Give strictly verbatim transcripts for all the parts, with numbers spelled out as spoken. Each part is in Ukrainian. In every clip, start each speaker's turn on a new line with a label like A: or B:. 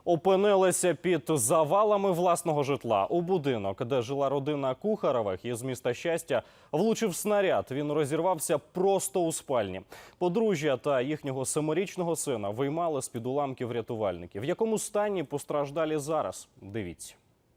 A: Опинилися під завалами власного житла. У будинок, де жила родина Кухарових із міста Щастя, влучив снаряд. Він розірвався просто у спальні. Подружжя та їхнього семирічного сина виймали з-під уламків рятувальників. В якому стані постраждалі зараз? Дивіться.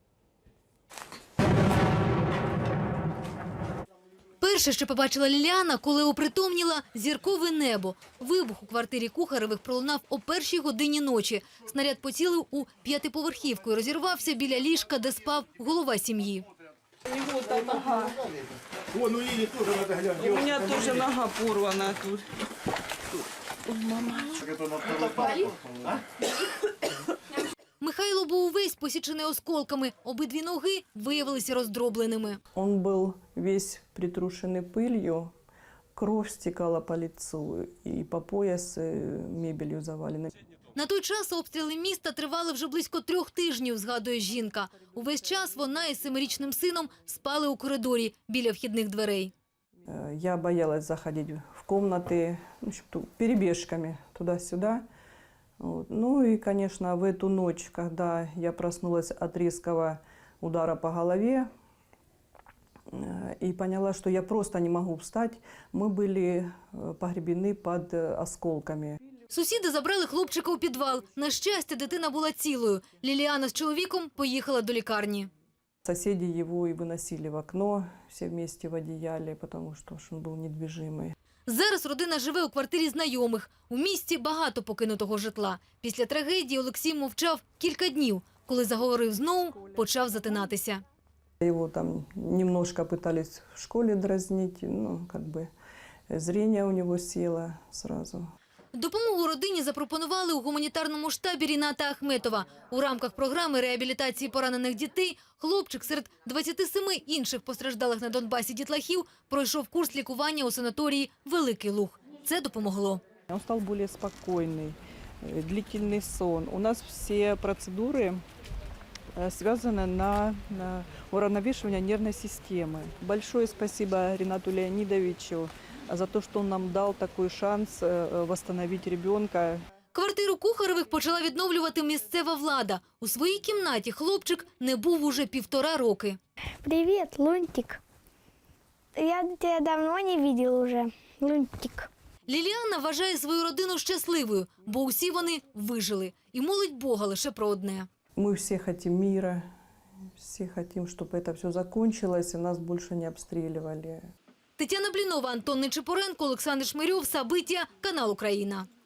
B: Перше, що побачила Ліліана, коли опритомніла – зіркове небо. Вибух у квартирі Кухаревих пролунав о першій годині ночі. Снаряд поцілив у п'ятиповерхівку і розірвався біля ліжка, де спав голова сім'ї.
C: У него там нога.
D: О, ну и тоже надо глянуть.
C: У меня тоже нога порвана тут. Ой, мама.
B: Михайло був увесь посічений осколками. Обидві ноги виявилися роздробленими.
E: Он был весь притрушенный пылью, кровь стекала по лицу и по пояс мебелью завалена.
B: На той час обстріли міста тривали вже близько трьох тижнів, згадує жінка. Увесь час вона із семирічним сином спали у коридорі біля вхідних дверей.
E: Я боялась заходить в комнаты, ну, перебежками туда-сюда. Вот. Ну и, конечно, в эту ночь, когда я проснулась от резкого удара по голове и поняла, что я просто не могу встать, мы были погребены под осколками.
B: Сусіди забрали хлопчика у підвал. На щастя, дитина була цілою. Ліліана з чоловіком поїхала до лікарні.
E: Соседи его и выносили в окно, все вместе в одеяле, потому что он был недвижимый.
B: Зараз родина живе у квартирі знайомих. У місті багато покинутого житла. Після трагедії Олексій мовчав кілька днів. Коли заговорив знову, почав затинатися.
E: Его там немножко пытались в школе дразнить, ну, как бы зрение у него село сразу.
B: Допомогу родині запропонували у гуманітарному штабі Ріната Ахметова. У рамках програми реабілітації поранених дітей хлопчик серед двадцяти семи інших постраждалих на Донбасі дітлахів пройшов курс лікування у санаторії «Великий Луг». Це допомогло.
E: Он стал более спокойный, длительный сон. У нас все процедуры связаны на, на уравновешивание нервной системы. Большое спасибо Ринату Леонидовичу за то, что он нам дал такой шанс восстановить ребенка.
B: Квартиру Кухаревих почала відновлювати місцева влада. У своїй кімнаті хлопчик не був уже півтора роки.
F: Привет, Лунтик. Я тебя давно не видел уже, Лунтик.
B: Ліліана вважає свою родину щасливою, бо усі вони вижили. І молить Бога лише про одне.
E: Мы все хотим мира, все хотим, чтобы это все закончилось и нас больше не обстреливали.
B: Тетяна Блінова, Антон Нечипоренко, Олександр Шмирьов, Сабиття, канал Україна.